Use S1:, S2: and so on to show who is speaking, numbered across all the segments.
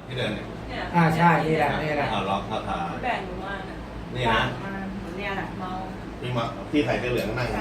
S1: ที่เดินเนี่ย
S2: ใช่นี่แหละนี่แหละ
S1: ล็อกเอาถ่าย
S3: แบ่งหนูมาน่ะ
S1: นี่นะ
S3: เนี่ยแหละเมา
S1: ที่ใส่เสื้อเหลืองนั่ง
S3: ใช่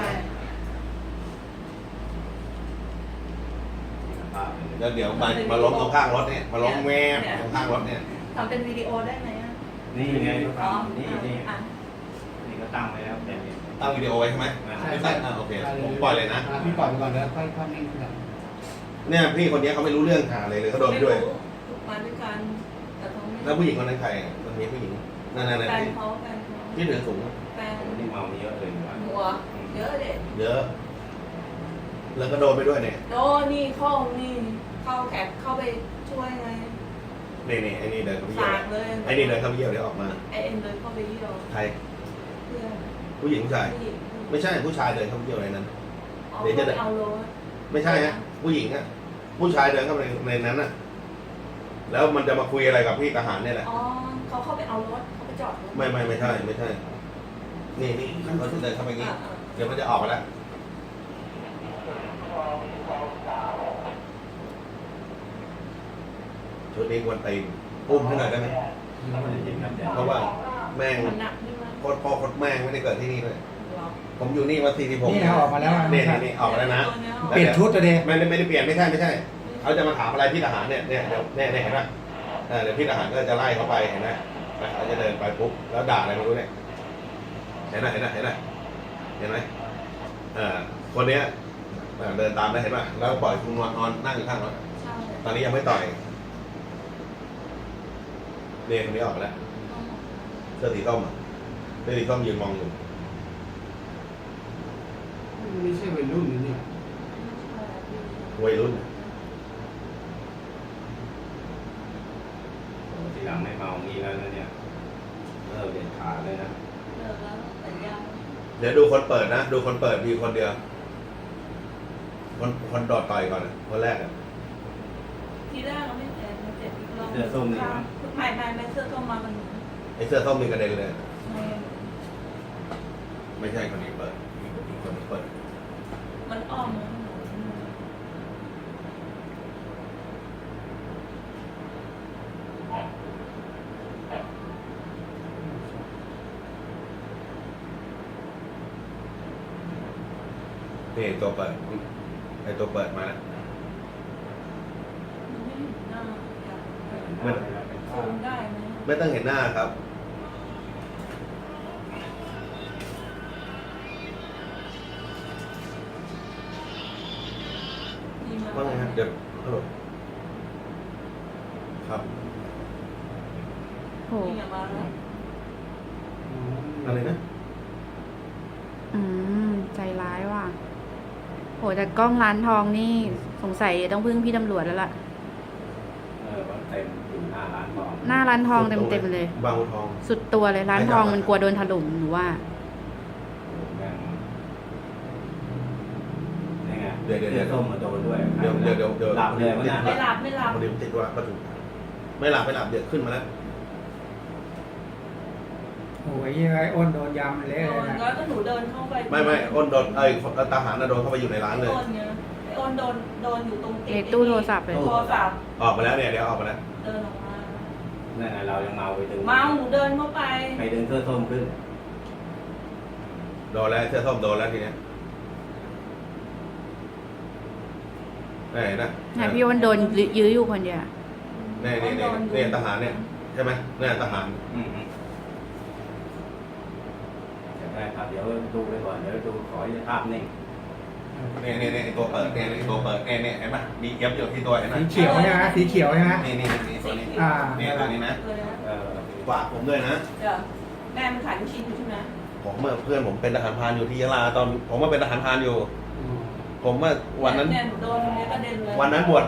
S1: แล้วเดี๋ยวมาล้มตรงข้างรถเนี่ยมาล้มแม่ตรงข้างรถเนี่ย
S3: ทำเป็นวิดีโอได้ไหมอ่ะ
S4: นี่ไงก็
S3: อ๋อ
S4: ทำนี่ก็ตั้งไว้แล้วแต่
S1: ตั้งวิดีโอไว้ใช่ไหมไม่ตั้งโอเคผมปล่อยเลยนะ
S2: พี่ปล่อยไปก่อนแล้วค่อยนิ่งขึ้น
S1: เนี่ยพี่คนนี้เขาไม่รู้เรื่องหาเลยเขาโดนไปด้วย
S3: มาด้วยกันแต่เขาไม่
S1: แล้วผู้หญิงคนนั้นใครคนนี้ผู้หญิงนั่น
S3: แฟน
S1: ๆ
S3: เขาแฟนเขา
S1: ที่ถือสูง
S3: แฟน
S4: นี่เมาเยอะเลยว่ะ
S3: หัวเยอะเด็ด
S1: เยอะ แล้วก็โดนไปด้วยเนี่ย
S3: โดนี่เข้าแขกเข้าไปช่วยไง
S1: นี่ไอ้นี่เดินเข้าไปเยี่ยว
S3: สากเลย
S1: ไอ้นี่เดินเข้าไปเยี่ยวเดี๋ยวออกมา
S3: ไอเอ็นเดินเข้าไปเยี่ยว
S1: ใคร
S3: เพื่อน
S1: ผู้หญิงผู้ชาย
S3: ผู้หญิง
S1: ไม่ใช่ผู้ชายเดินเข้าไปเยี่ยวในนั้น
S3: เอาไปเอาโล
S1: ไม่ใช่ฮะผู้หญิงอะผู้ชายเดินเข้าไปในนั้นน่ะ แล้วมันจะมาคุยอะไรกับพี่ทหารเนี่ยแหละ
S3: อ๋อเขาเข้าไปเอารถเขาไปจอดรถ
S1: ไม่ใช่ นี่เขาจะเดินเข้าไปอย่างนี้ เดี๋ยวมันจะออกมาแล้วชุดนี้ควรตีนอุ้มให้หน่อยได้ไหม
S4: ไม่ได้ยินครับแต่
S1: เพราะว่าแม่ง
S3: มันหนักใช่ไหม
S1: โคตรพ่อโคตรแม่งไม่ได้เกิดที่นี่เลย
S3: หรอ
S1: ผมอยู่นี่มา46
S2: นี่นะออกมาแล้ว
S1: นี่ออกมาแล้วนะ
S2: เปลี่ยนชุดตัวเดียว
S1: ไม่ได้เปลี่ยนไม่ใช่เขาจะมาถามอะไรพี่ทหารเนี่ยเดี๋ยวเนี่ยเห็นไหมเดี๋ยวพี่ทหารก็จะไล่เขาไปเห็นไหมเขาจะเดินไปปุ๊บแล้วด่าอะไรไม่รู้เนี่ยเห็นไหมคนเนี้ยเดินตามได้เห็นไหมแล้วปล่อยคุณนอนนั่งอยู่ข้างรถ
S3: ใช่
S1: ตอนนี้ยังไม่ต่อยเนี่ยคนนี้ออกมาแล้วเสื้อสีส้มยืนมองอยู่
S2: ไม่ใช่วัยรุ่นนี่
S1: วัยรุ่น
S4: ทีหลังไม่เมางี้แล้วนะเนี่ยเด็ดขาดเลยนะ
S3: เลิกแล้วแต่ยัง
S1: เดี๋ยวดูคนเปิดนะดูคนเปิดมีคนเดียวคนโดดต่อยก่อนคนแรก
S3: ทีแรกเราไม่เจ็บมันเจ็บอีกรอบ
S4: เสื้อส้มนี่นะ
S3: ไม่เสื้อส้มมามัน
S1: ไอ้เสื้อส้มมีกระเด็นเลย
S3: ไม่
S1: ไม่ใช่คนนี้เปิดมีคนนี้เปิด
S3: มันอ้อม
S1: นี่ตัวเปิดไอ้ตัวเปิดมาแล้ว
S3: ไม่เห็นหน้า
S1: ไม่
S3: ซูมได้ไหม
S1: ไม่ต้องเห็นหน้าครับว่าไงครับเดี๋ยวฮัลโหลครับ
S5: โห
S3: นี่มาแล้ว
S1: อะไรนะ
S5: ใจร้ายว่ะโหแต่กล้องร้านทองนี่สงสัยต้องพึ่งพี่ตำรวจแล้วล่ะ
S4: ว่าเต็มอยู่หน้าร้านทอง
S5: หน้าร้านทองเต็มๆเลย
S1: บางบัวทอง
S5: สุดตัวเลยร้านทองมันกลัวโดนถล่มหนูว่า
S4: นี่ไง
S1: เดี๋ยว
S4: เสื้อส้มมาโดนด้วย
S1: เดี๋ยว
S4: หลับเลยวะเนี่ย
S3: ไม่หลับ
S1: พอดีมันติดว่าประตูไม่หลับเดี๋ยวขึ้นมาแล้ว
S2: โอ้ยยังไงอ้นโดนยำเละ
S3: โด
S2: เลย
S3: น
S2: นะ
S3: แล้วก็หนูเดินเข้าไป
S1: ไม่อ้นโดนทหารโดนเข้าไปอยู่ในร้านเลย
S3: อ้นเนี่ยอ้นโดนอยู่ตรง
S5: ในตู้โทรศัพท์เลย
S3: โทรศัพท์
S1: ออกมาแล้วเนี่ยเดี๋ยวออกมาแล้ว
S3: เดินออกมา
S4: นั่นไงเรายังเมาไปดึง
S3: เมาหนูเดินเข้าไป
S4: ไปดึงเสื้อส้มขึ้น
S1: โดนแล้วเสื้อส้มโดนแล้วทีเนี้ยนี่นะ
S5: พี่อ้นโดนยื้ออยู่คนเดียว
S1: นี่ทหารเนี่ยใช่ไหมเนี่ยทหาร
S4: ได้ครับเดี๋ยวดูไปก่อนเดี๋ยวดูขอภาพนิ่ง
S1: นี่ตัวเปิดเนี่ยตัวเปิดเนี่ยเห็นไหมมีเย็บอยู่ที่ตัวเห็นไหม
S2: สีเขียวใช่ไหมสีเขียวใช่ไหม
S1: นี่ตัวนี้ นี่ตัวนี้นะ
S3: เลยนะ
S1: ฝากผมด้วยนะ
S3: เดี๋ยวแม่มันขายลูกชิ้นอยู่ใช่ไหม
S1: ผมเพื่อนผมเป็นทหารพรานอยู่ที่ยะลาตอนผมมาเป็นทหารพรานอยู่ ผมว่าวันนั้น
S3: เนี่ยหนูโดนตรงนี้กระเด็นเลย
S1: วันนั้นบวช